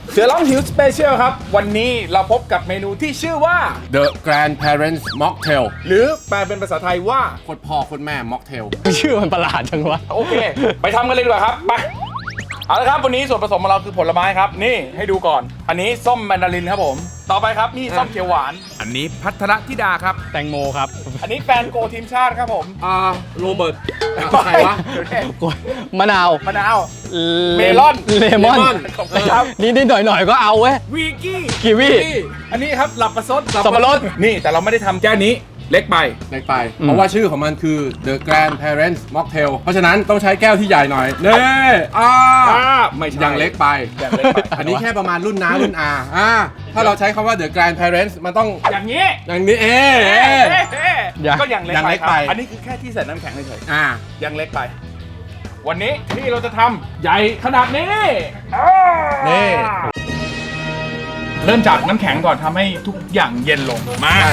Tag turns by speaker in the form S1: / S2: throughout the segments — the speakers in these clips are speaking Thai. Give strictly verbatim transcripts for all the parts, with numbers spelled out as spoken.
S1: เสือร้องหิวสเปเชียลครับวันนี้เราพบกับเมนูที่ชื่อว่า
S2: The Grandparents Mocktail
S1: หรือแปลเป็นภาษาไทยว่า
S2: โคตรพ่อโคตรแม่ Mocktail
S3: ชื่อมันประหลาดจังวะ
S1: โอเค ไปทำกันเลยดีกว่าครับไปเอาละครับวันนี้ส่วนผสมของเราคือผลไม้ครับนี่ให้ดูก่อนอันนี้ส้มแมนดารินครับผมต่อไปครับนี่ส้มเขียวหวานอันนี้พัทรธิดาครับ
S3: แตงโมครับ
S1: อันนี้แฟนโกทีมชาติครับผม
S2: อ่าโรเบิร์ตใครวะ
S3: มะนาว
S1: มะนาว
S3: เล
S1: เมลอน
S3: เลมอน
S2: เลมอน
S1: ขอบคุณครับ
S3: นี่นิดหน่อยหน่อยๆก็เอาเว้ย
S1: วีกี้
S3: กีวี
S1: อันนี้ครับหลับประซด
S3: สับปะรด
S1: นี่แต่เราไม่ได้ทำแก้วนี้เล็กไป
S2: เล็กไป เพราะว่าชื่อของมันคือ The Grandparents Mocktail เพราะฉะนั้นต้องใช้แก้วที่ใหญ่หน่อยเน่อ่า
S1: อ่าไม่ใช่
S2: อย่างเล็กไป
S1: อย่างเล็กไป
S2: อันนี้แค่ประมาณรุ่นน้ารุ่นอาอ่าถ้าเราใช้คำว่า The Grandparents มันต้อง
S1: อย่างนี้
S2: อย่างนี้เอ๊ะ
S1: เอ๊ะ
S2: เอ๊ะ
S1: เอ๊ะ
S3: อย่าง
S1: ก็อย่างเล็ก
S2: อย่าง
S1: ไป
S2: เล็ก
S1: ครับ
S2: ไป
S1: อันนี้คือแค่ที่ใส่น้ำแข็งเฉย
S2: อ่า
S1: ๆยังเล็กไป วันนี้ที่เราจะทำใหญ่ขนาดนี้อ่า
S2: นี่
S1: เริ่มจากน้ำแข็งก่อนทำให้ทุกอย่างเย็นลงมา
S2: ใช่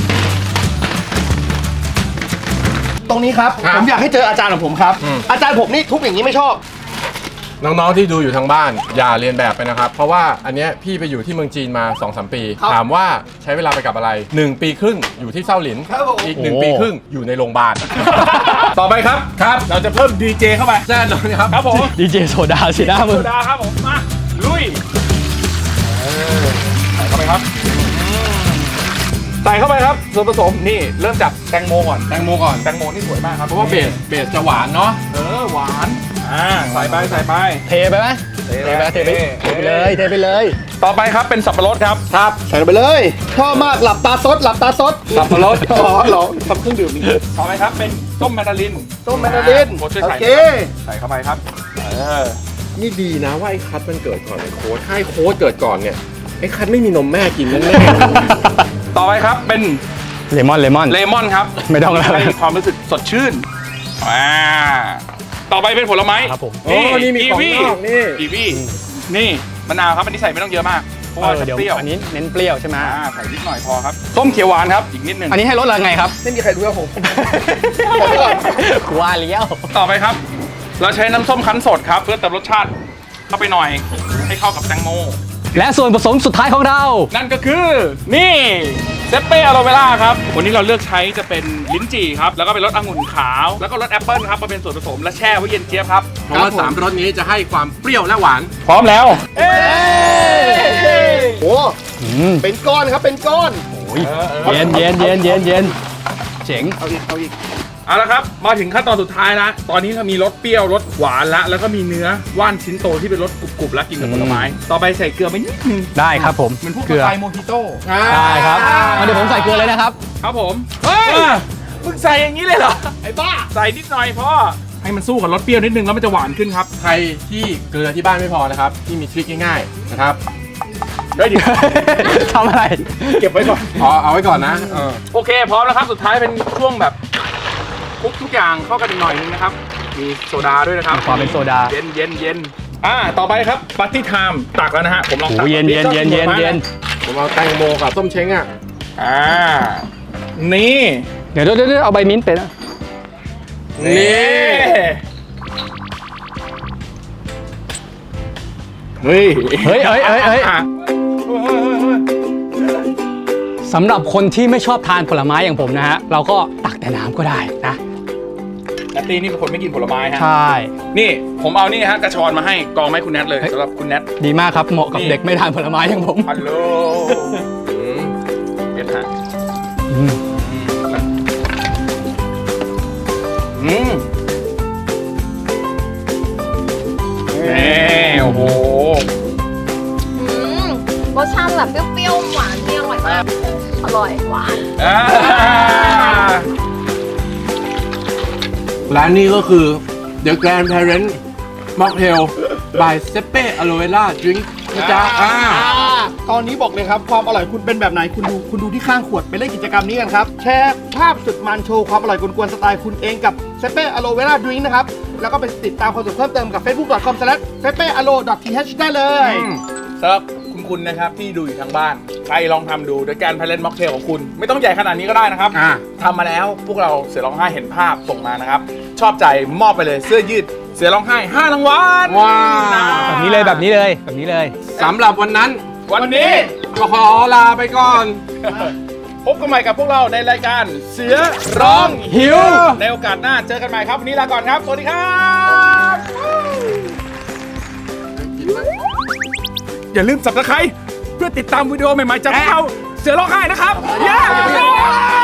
S4: ตรงนี้ครับ
S2: ครับ
S4: ผมอยากให้เจออาจารย์ของผมครับ
S2: อืม
S4: อาจารย์ผมนี่ทุบอย่างนี้ไม่ชอบ
S2: น้องๆที่ดูอยู่ทางบ้านอย่าเรียนแบบไปนะครับ เพราะว่าอันเนี้ยพี่ไปอยู่ที่เมืองจีนมา สองสาม ปี
S4: ครับ
S2: ถามว่าใช้เวลาไปกับอะไร หนึ่ง ปีครึ่งอยู่ที่เซาหลิน
S4: ครับผม
S2: อีก หนึ่ง
S3: โอ้
S2: ปีครึ่งอยู่ในโรงพยาบาล
S1: ต่อไปครับครับ เราจะเพิ่มดีเจเข้าไป
S2: แน่นอนครับ
S1: ครับผม
S3: ดีเจโซดาสิหน้ามึ
S1: โซ
S3: ง
S1: ดาครับผมมาลุยเออใส่เข้าไปครับใส่เข้าไปครับส่วนผสมนี่เริ่มจากแตงโมก่อน
S2: แตงโมก่อน
S1: แตงโมนี่สวยมากครับ
S2: เพราะว่าเบสเบสจะหวานเนาะ
S1: เออหวานอ่าใส่ไปใส่ไป
S3: เทไปไหมเทไปเทไปเทไปเลยเทไปเลย
S1: ต่อไปครับเป็นสับปะรดครับ
S4: ครับใส่ลงไปเลยชอบมากหลับตาซดหลับตาซด
S1: สับปะรด
S4: อ๋อเหรอทำเครื่องดื่มนี่
S1: ต่อไปครับเป็นส้มแมนดาริน
S4: ต้มแมนดาริน
S1: โค้ชช่วย
S4: โอ
S1: ใส่
S4: เค
S1: ใส่เข้าไปครับเออ
S2: นี่ดีนะว่าไอ้คัทมันเกิดก่อนไอ้โค้ดถ้าไอ้โค้ดเกิดก่อนเนี่ยไอ้คัทไม่มีนมแม่กินแน่
S1: ต่อไปครับเป็น
S3: เลมอนเลมอน
S1: เลมอนครับ
S3: ไม่ต้องแล้ว
S1: ให้ความรู้สึกสดชื่นอ่าต่อไปเป็นผลไม้
S3: ครับผม
S2: ๆโอ้นี่มีของนอกนี่
S1: กีวีนี่มะนาวครับอันนี้ใส่ไม่ต้องเยอะมากเพราะว่า
S3: เออ
S1: จะ
S3: เดี๋ยว
S1: เปรี้ยว
S3: อันนี้เน้นเปรี้ยวใช่ไหม
S1: อ่าใส่นิดหน่อยพอครับส้มเขียวหวานครับอีกนิดหนึง
S3: อันนี้ให้รสอะไรไงครับ
S4: ไม่มีใครรู้ครับผม
S3: กูว่าเลี้ยว
S1: ต่อไปครับ เราใช้น้ำส้มคั้นสดครับเพื่อเติมรสชาติเข้าไปหน่อยให้เข้ากับแตงโม
S3: และส่วนผสมสุดท้ายของเรา
S1: นั่นก็คือนี่เซเป้อะโลเวล่าครับวันนี้เราเลือกใช้จะเป็นลิ้นจี่ครับแล้วก็เป็นรสองุ่นขาวแล้วก็รสแอปเปิลครับมาเป็นส่วนผสมและแช่ไว้เย็นเจี๊ยบครับ
S2: เพราะว่าสามรสนี้จะให้ความเปรี้ยวและหวาน
S1: พร้อมแล้ว เอ้
S4: โอ้
S3: อืม
S4: เป็นก้อนครับเป็นก้อน
S3: โอ้ยเย็นเย็นเย็นเย็นเย็นเจ๋ง
S4: เอาอีกเอาอีก
S1: เอาละครับมาถึงขั้นตอนสุดท้ายแล้วตอนนี้เรามีรสเปรี้ยวรสหวานละแล้วก็มีเนื้อว่านชิ้นโตที่เป็นรสกรุบๆแล้วกินกับผลไม้ต่อไปใส่เกลือไปนิดนึง
S3: ได้ครับผม
S1: เหมือนพวก
S3: เกลือ
S1: สไตล์โมฮิโต้
S3: ได้ครับเอาเดี๋ยวผมใส่เกลือเลยนะครับ
S1: ครับผมเฮ้ยมึงใส่อย่างนี้เลยเหรอ
S4: ไอ้บ้า
S1: ใส่นิดหน่อยพอให้มันสู้กับรสเปรี้ยวนิดนึงแล้วมันจะหวานขึ้นครับ
S2: ใครที่เกลือที่บ้านไม่พอนะครับที่มีทริคง่ายๆนะครับ
S1: เฮ้ยเดี๋ยว
S3: ทำอะไร
S1: เก็บไว้ก่อน
S2: ขอเอาไว้ก่อนนะเออ
S1: โอเคพร้อมแล้วครับสุดท้ายเป็นช่วงแบบคลุกทุกอย่างเข้ากันอีกหน่อยนึงนะครับมีโซดาด้วยนะครับ
S3: มีความเป็นโซดา
S1: เย็นเย็นเย็นอ่าต่อไปครับปาร์ตี้ไทม์ตักแล้วนะฮะผมลองตัก
S3: โอ้เย็นเย็นเย็นเย็นเย็น
S2: ผมเอาแตงโมกับส้มเช้งอ่ะ
S1: อ่านี่
S3: เดี๋ยวเดี๋ยวเดี๋ยวเอาใบมิ้นท์ไปนะ
S2: นี่
S1: เฮ้ย
S3: เฮ้ยเฮ้ยเฮ้ยเฮ้ย
S1: อ่ะ
S3: สำหรับคนที่ไม่ชอบทานผลไม้อย่างผมนะฮะ เราก็ตักแต่น้ำก็ได้นะ
S1: แนตตี้นี่เป็นคนไม่กินผลไม้ฮะ
S3: ใช่
S1: นี่ผมเอานี่ฮะกระชอนมาให้กองไม้คุณแนทเลย
S3: เฮ้ย
S1: สำหรับคุณแนท
S3: ดีมากครับ เหมาะกับ
S1: นี่
S3: เด็กไม่ทานผลไม้อย่างผม
S1: ฮัลโหล
S2: อืม
S1: เย็นฮะ
S3: อืม
S1: อืมนี่โอ้โห
S5: อืมรสชาติแบบเปรี้ยวๆหวานที่อร่อยมาก อร่อยหวาน
S1: อ่า
S2: ร้านนี้ก็คือ The Grandparents Mocktail by Seppe Aloe Vera Drink นะจ๊ะอ่า
S4: ตอนนี้บอกเลยครับความอร่อยคุณเป็นแบบไหนคุณดูคุณดูที่ข้างขวดไปเล่นกิจกรรมนี้กันครับแชร์ภาพสุดมันโชว์ความอร่อยกวนๆสไตล์คุณเองกับเซเป้อโลเวล่าดริงนะครับแล้วก็ไปติดตามความสนุกเพิ่มเติมกับ เฟซบุ๊ก ดอท คอม สแลช เซเป้อโล ดอท ที เอช ได้เลย
S1: สำหรับคุณคุณนะครับที่ดูอยู่ทางบ้าน ใครลองทำดูโดยการพาเลนม็อกเทลของคุณ ไม่ต้องใหญ่ขนาดนี้ก็ได้นะครับ
S2: อ่า
S1: ทำมาแล้วพวกเราเสือร้องไห้เห็นภาพส่งมานะครับ ชอบใจมอบไปเลยเสื้อยืดเสือร้องไห้ห้ารางวัล
S2: ว้าว
S3: แบบนี้เลยแบบนี้เลยแบบนี้เลย
S2: สำหรับวันนั้น
S1: วันนี้
S2: ก็ขอลาไปก่อน
S1: พบกันใหม่กับพวกเราในรายการเสือร้อง
S2: หิว
S1: ในโอกาสหน้าเจอกันใหม่ครับวันนี้ลาก่อนครับ สวัสดีครับ อย่าลืมสับตะไคร้เพื่อติดตามวิดีโอใหม่ๆจากพวกเราเสือร้องไห้นะครับ เย้